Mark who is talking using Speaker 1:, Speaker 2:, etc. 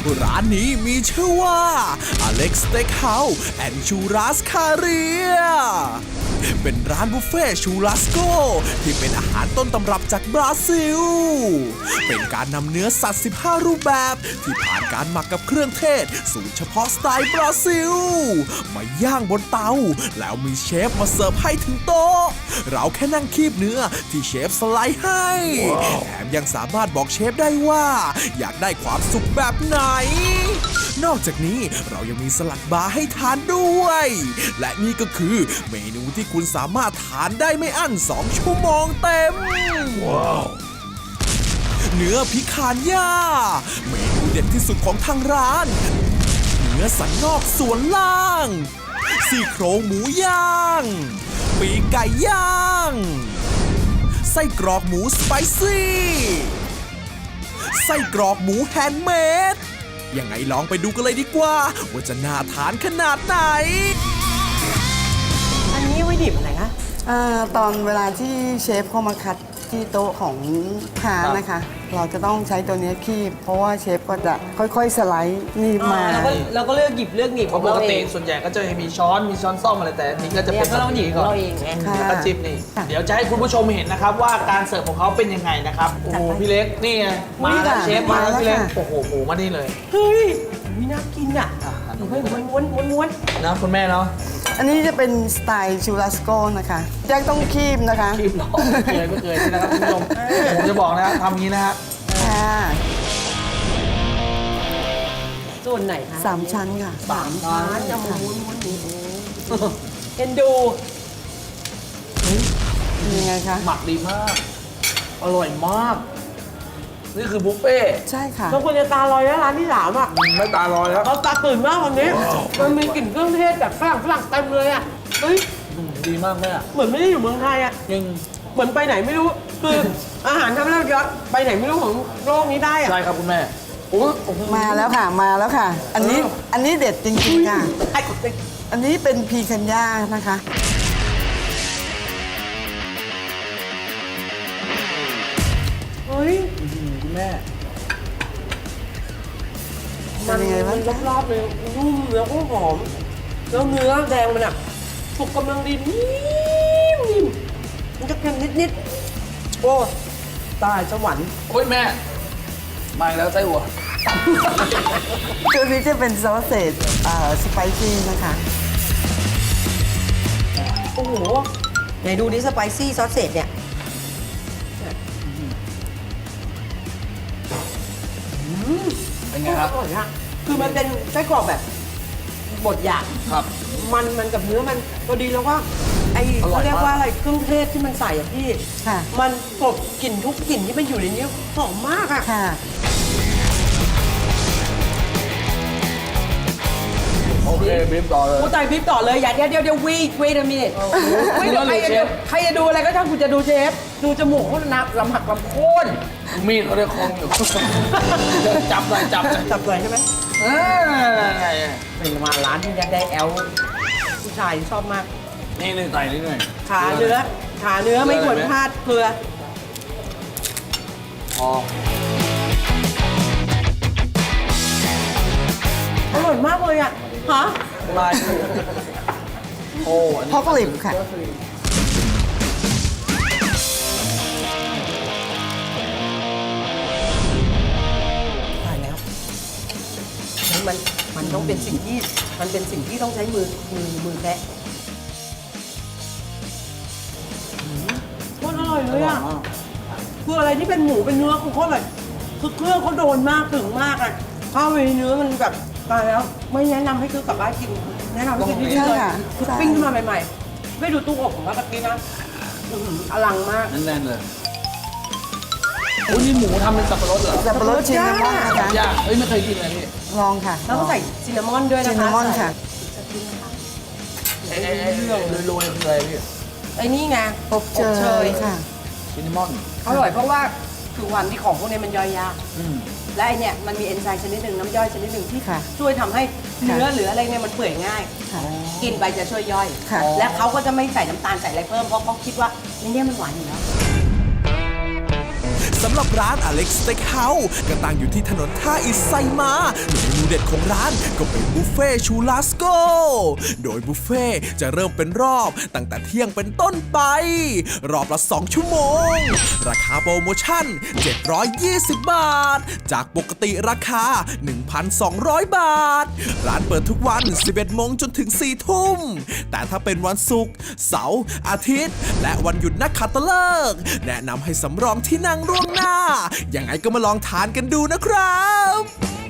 Speaker 1: ร้านนี้มีชื่อว่า Alex Steakhouse and Churrascaria เป็นร้านบุฟเฟ่ชูรัสโกที่เป็นอาหารต้นตำรับจากบราซิล เป็นการนำเนื้อสัตว์ 15 รูปแบบที่ผ่านการหมักกับเครื่องเทศสูตรเฉพาะสไตล์บราซิล มาย่างบนเตา แล้วมีเชฟมาเสิร์ฟให้ถึงโต๊ะ เราแค่นั่งคีบเนื้อที่เชฟสไลด์ให้ แถมยังสามารถบอกเชฟได้ว่าอยากได้ความสุขแบบไหน นอกจากนี้เรายังมีสลัดบาร์ให้ทานด้วย และนี่ก็คือเมนูที่คุณสามารถทานได้ไม่อั้น 2 ชั่วโมงเต็ม เนื้อพิคานย่า เมนูเด็ดที่สุดของทางร้าน เนื้อสันนอกส่วนล่าง ซี่โครงหมูย่าง ปีกไก่ย่าง ไส้กรอกหมูสไปซี่ ไส้กรอกหมูแฮนด์เมด ยังไงลองไปดูกันเลยดีกว่าว่าจะน่าทานขนาดไหน
Speaker 2: อันนี้ไว้ดิบอะไรคะ
Speaker 3: ตอนเวลาที่เชฟเข้ามาคัดที่โต๊ะของทานนะคะ เราจะต้องใช้ตัวนี้คีบเพราะว่าเชฟก็จะค่อยๆสไลด์นี่มา
Speaker 2: เราก็เลือกหยิบเลือกหนีบ
Speaker 4: เพ
Speaker 2: ของ
Speaker 4: ราะป
Speaker 2: เรา
Speaker 4: ก
Speaker 2: เอ
Speaker 4: ติ
Speaker 2: ง
Speaker 4: ส่วนใหญ่ก็จะมีช้อนซ่อมอะไรแต่อันนี้ก็จะ
Speaker 2: เนี่
Speaker 4: เป็
Speaker 2: ย
Speaker 4: น
Speaker 2: ก็เราหนีบของ
Speaker 4: ก่อน
Speaker 2: เราเองไง
Speaker 3: ค่ะ
Speaker 4: แล้วก็จิบนี่ เดี๋ยวจะให้คุณผู้ชมเห็นนะครับว่าการเสิร์ฟของเขาเป็นยังไงนะครับ โอ้โหพี่เล็กนี่ไงมาแล้วเชฟมาแล้วพี่เล็กโอ้โหหมูมานี่เลย
Speaker 2: เฮ้ยนี่น่ากินอ่ะ
Speaker 4: อ่ะ
Speaker 2: หนูให้ม้วน
Speaker 4: นะคุณแม่เนาะ
Speaker 3: อันนี้จะเป็นสไตล์ชูรัสโกนะคะแจ็คต้องคีบนะคะ
Speaker 4: คลิปเราไม่เคยนี่นะครับคุณผู้ชมผมจะบอกนะครับทำอย่างนี้นะฮะ
Speaker 3: ค่ะ
Speaker 2: ส่วนไหนคะ
Speaker 3: 3 ชั้นค่ะ
Speaker 2: ร้านจะม้วนหมูเอ็นดู
Speaker 3: เป็นยังไงคะ
Speaker 4: หมักดีมาก อร่อยมาก นี่คือบุฟเฟ่ต์
Speaker 3: ใช่ค่ะ
Speaker 2: บางคนจะตาลอยแล้วร้านที่สามอ่ะ
Speaker 4: ไม่ตาลอยแล้ว
Speaker 2: เราตาตื่นมากวันนี้มันมีกลิ่นเครื่องเทศจากฝรั่งเต็มเลยอ่ะเฮ้ย
Speaker 4: ดีมากแม่
Speaker 2: เหมือนไม่ได้อยู่เมืองไทยอ่ะ
Speaker 4: ยัง
Speaker 2: เหมือนไปไหนไม่รู้คืออาหารทำให้เราย้อนไปไหนไม่รู้ของโลกนี้ได้อ่ะ
Speaker 4: ใช่ครับคุณแม่โอ้โห
Speaker 3: มาแล้วค่ะมาแล้วค่ะ อันนี้เด็ดจริงๆค่ะ
Speaker 2: ไอ้
Speaker 3: อันนี้เป็นพีคันย่านะคะ
Speaker 2: เฮ้ย
Speaker 4: คุณแม่
Speaker 3: เป็นยังไงบ้างคะ
Speaker 2: รอบๆเลยนุ่มแล้วก็หอม แล้วเนื้อแดงมันอ่ะสุกกำลังดีนิ่มๆมันจะเค็มนิดๆโอ้ตายสวรรค์
Speaker 4: โอ้ยแม่มาอีกแล้วไส้หัว
Speaker 3: ตัวนี้จะเป็นซอสเศษสไปซี่นะคะ
Speaker 2: โอ้โหไหนดูดิสไปซี่ซอสเศษเนี่ย
Speaker 4: เป็นไงครับ
Speaker 2: อร่อยอะคือมันเป็นไส้กรอกแบบบดหยาบ
Speaker 4: ครับ
Speaker 2: มันกับเนื้อมันพอดีแล้วก็ไอ
Speaker 4: อร่อยมาก
Speaker 2: เขาเรียกว่าอะไรเครื่องเทศที่มันใส่อะพี่
Speaker 3: ค่ะ
Speaker 2: มันกลบกลิ่นทุกกลิ่นที่มันอยู่ในนี้หอมมากอะ
Speaker 3: ค่ะ
Speaker 4: โอเคบีบต่อเลย
Speaker 2: กูตายพริบต่อเลยอย่าเดี๋ยวwait a minute ไม่เดี๋ยวใครจะดูอะไรก็ช่างกูจะดูเชฟดูจมูกเขานับลำหักลำโค่น
Speaker 4: มีดเขาได้คองอยู่ จับหน่อยจับหน่อย
Speaker 2: จับเลยใช่ไหม
Speaker 4: เอ้ย
Speaker 2: เป็นมาร้านที่ยัดได้แอลผู้ชายชอบมาก
Speaker 4: นี่ใส่นิดหน่อย
Speaker 2: ขาเนื้อไม่ควรพลาดเกลือ
Speaker 4: พอ
Speaker 2: อร่อยมากเลยอ่ะฮะ
Speaker 4: ลายโอ้อัน
Speaker 3: พ
Speaker 4: นี้
Speaker 3: อกลิบค่ะ
Speaker 2: ตายแล้วมันต้องเป็นสิ่งที่มันเป็นสิ่งที่ต้องใช้มือแคะโคตรอร่อยเลยอ่ะคืออะไรที่เป็นหมูเป็นเนื้อคือโคตรอร่อยคือเครื่องเขาโดนมากถึงมากอ่ะข้าวในเนื้อมันแบบตายแล้วไม่แนะนำให้ซื้อกลับบ้านกินแนะนำให้กินที่นี่เลย
Speaker 3: ใช่ค่ะ
Speaker 2: คือปิ้งขึ้นมาใหม่ๆไม่ดูตู้อบของว่าตะกี้นะอื้อหืออลังมาก
Speaker 4: แน่นๆเลยโอ้ยนี่หมูทำเป็นสับปะรดเหรอ
Speaker 3: สับปะรดชินนามอนนะคะ
Speaker 4: ยากเฮ้ยไม่เคยกินเลยพี่
Speaker 3: ลองค่ะ
Speaker 2: แล้วก็ใส่ซินนามอนด้วยนะคะ
Speaker 3: ซินนามอนค่ะ
Speaker 4: ไอ้โรยๆคืออะไรพี่
Speaker 2: ไอ้นี่ไง
Speaker 3: อบเชยค่ะ
Speaker 4: ซินนามอน
Speaker 2: อร่อยเพราะว่าคือวันที่ของพวกนี้มันย่อยยาก
Speaker 4: อืม
Speaker 2: และไอเนี่ยมันมีเอนไซม์ชนิดหนึ่งน้ำย่อยชนิดหนึ่งที่
Speaker 3: ค่ะ
Speaker 2: ช่วยทำให้เนื้อหรืออะไรเนี่ยมันเปื่อยง่าย
Speaker 3: ค่ะ
Speaker 2: กินไปจะช่วยย่อย
Speaker 3: ค่ะ
Speaker 2: และเขาก็จะไม่ใส่น้ำตาลใส่อะไรเพิ่มเพราะเขาคิดว่าในเนี้มันหวานอยู่แล้ว
Speaker 1: สำำหรับร้าน Alex Steakhouse ก็ตั้งอยู่ที่ถนนท่าอิฐไซม้าเมนูเด็ดของร้านก็เป็นบุฟเฟ่ชูลาสโกโดยบุฟเฟ่จะเริ่มเป็นรอบตั้งแต่เที่ยงเป็นต้นไปรอบละ2 ชั่วโมงราคาโปรโมชั่น720 บาทจากปกติราคา 1,200 บาทร้านเปิดทุกวัน 11 โมงจนถึง 4 ทุ่มแต่ถ้าเป็นวันศุกร์เสาร์อาทิตย์และวันหยุดนักขัตฤกษ์แนะนำให้สำรองที่นั่งล่วงหน้ายังไงก็มาลองทานกันดูนะครับ